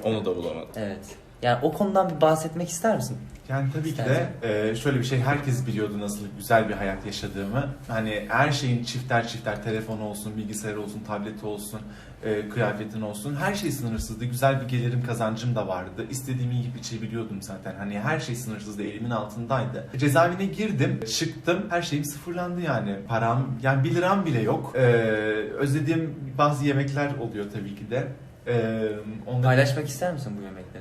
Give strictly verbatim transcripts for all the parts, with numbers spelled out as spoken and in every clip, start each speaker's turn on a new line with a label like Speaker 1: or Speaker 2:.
Speaker 1: Onu da bulamadım.
Speaker 2: Evet. Yani o konudan bir bahsetmek ister misin?
Speaker 3: Yani tabii ki de e, şöyle bir şey, herkes biliyordu nasıl güzel bir hayat yaşadığımı. Hani her şeyin çifter çifter, telefon olsun, bilgisayar olsun, tableti olsun, e, kıyafetin olsun, her şey sınırsızdı. Güzel bir gelirim, kazancım da vardı. İstediğimi yiyip içebiliyordum zaten. Hani her şey sınırsızdı, elimin altındaydı. Cezaevine girdim, çıktım, her şeyim sıfırlandı yani. Param, yani bir liram bile yok. E, özlediğim bazı yemekler oluyor tabii ki de. E, onları...
Speaker 2: Paylaşmak ister misin bu yemekleri?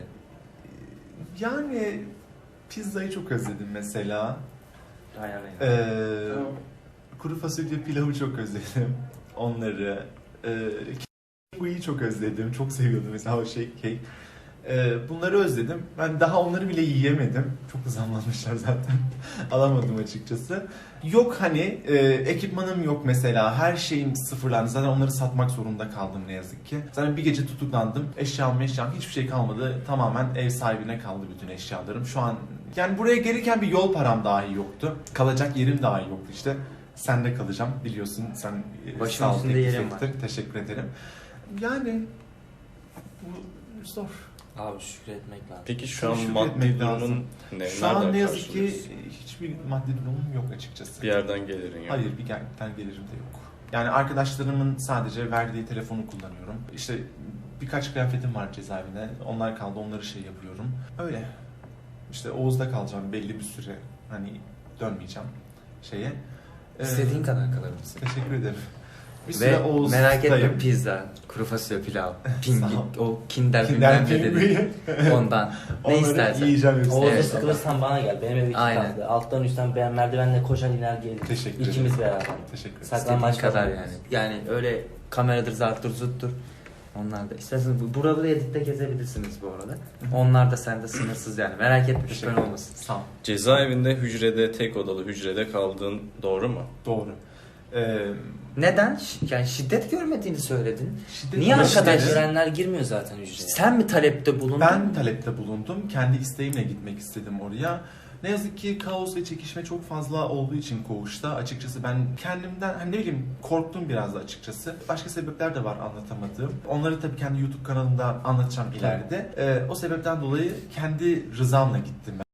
Speaker 3: Yani pizzayı çok özledim mesela.
Speaker 2: Hayır, hayır.
Speaker 3: Ee, kuru fasulye pilavı çok özledim. Onları. Ee, Kiwi'yi çok özledim. Çok seviyordum mesela o şey. Cake. Ee, bunları özledim. Ben daha onları bile yiyemedim. Çok da zamlanmışlar zaten. Alamadım açıkçası. Yok hani e, ekipmanım yok mesela. Her şeyim sıfırlandı. Zaten onları satmak zorunda kaldım ne yazık ki. Zaten bir gece tutuklandım. Eşyam eşyam hiçbir şey kalmadı. Tamamen ev sahibine kaldı bütün eşyalarım. Şu an yani buraya gelirken bir yol param dahi yoktu. Kalacak yerim dahi yoktu işte. Sende kalacağım biliyorsun. Sen
Speaker 2: başımın üstünde yerim var.
Speaker 3: Teşekkür ederim. Yani bu zor.
Speaker 2: Abi şükretmek lazım.
Speaker 1: Peki şu an
Speaker 3: Şükür
Speaker 1: maddi
Speaker 3: etmek
Speaker 1: durumun
Speaker 3: lazım.
Speaker 1: ne?
Speaker 3: Şu an
Speaker 1: Nereden
Speaker 3: ne yazık ki
Speaker 1: karşılıyorsun?
Speaker 3: hiçbir maddi durumum yok açıkçası.
Speaker 1: Bir yerden gelirin yok.
Speaker 3: Hayır, bir yerden gelirim de yok. Yani arkadaşlarımın sadece verdiği telefonu kullanıyorum. İşte birkaç kıyafetim var cezaevinde. Onlar kaldı, onları şey yapıyorum. Öyle. İşte Oğuz'da kalacağım belli bir süre. Hani dönmeyeceğim şeye.
Speaker 2: İstediğin
Speaker 3: Ee,
Speaker 2: kadar kalabilirsin.
Speaker 3: Teşekkür ederim. Bir
Speaker 2: Ve
Speaker 3: süre Oğuz'dayım.
Speaker 2: merak etme, pizza, kuru fasulye pilav, pingvin,
Speaker 3: Sağ ol.
Speaker 2: o kinder
Speaker 3: Kinder
Speaker 2: bilmem ne dedi.
Speaker 3: Pingvin.
Speaker 2: Ondan. Ne
Speaker 3: Onları
Speaker 2: istersen.
Speaker 3: yiyeceğim hepsini.
Speaker 4: Oğuz'da
Speaker 2: Evet.
Speaker 4: sıkılırsan bana gel. Benim ev iki
Speaker 2: Aynen.
Speaker 4: katlı. Alttan üstten ben merdivenle koşar iner gelirim.
Speaker 3: Teşekkür ederim.
Speaker 4: İkimiz beraber.
Speaker 3: Teşekkür ederim.
Speaker 2: İstediğin
Speaker 4: Saklambaç
Speaker 2: kadar
Speaker 4: falan.
Speaker 2: yani. Yani öyle kameradır, zarttır, zuttur. Onlar da. İsterseniz bu- buraları editte gezebilirsiniz bu arada. Onlar da sende sınırsız yani. Merak etme, şüphen
Speaker 3: Teşekkür
Speaker 2: olmasın.
Speaker 3: Sağ ol.
Speaker 1: Cezaevinde hücrede, tek odalı hücrede kaldığın doğru mu?
Speaker 3: Doğru. Ee,
Speaker 2: Neden? Ş- Yani şiddet görmediğini söyledin.
Speaker 3: şiddet
Speaker 2: Niye
Speaker 3: arkadaş
Speaker 2: arkadaş?
Speaker 4: Görenler girmiyor zaten hücreye.
Speaker 2: Sen mi talepte bulundun?
Speaker 3: Ben talepte bulundum. Kendi isteğimle gitmek istedim oraya. Ne yazık ki kaos ve çekişme çok fazla olduğu için koğuşta açıkçası ben kendimden hani ne bileyim korktum biraz da açıkçası. Başka sebepler de var anlatamadığım. Onları tabii kendi YouTube kanalımda anlatacağım ileride. Ee, o sebepten dolayı kendi rızamla gittim ben.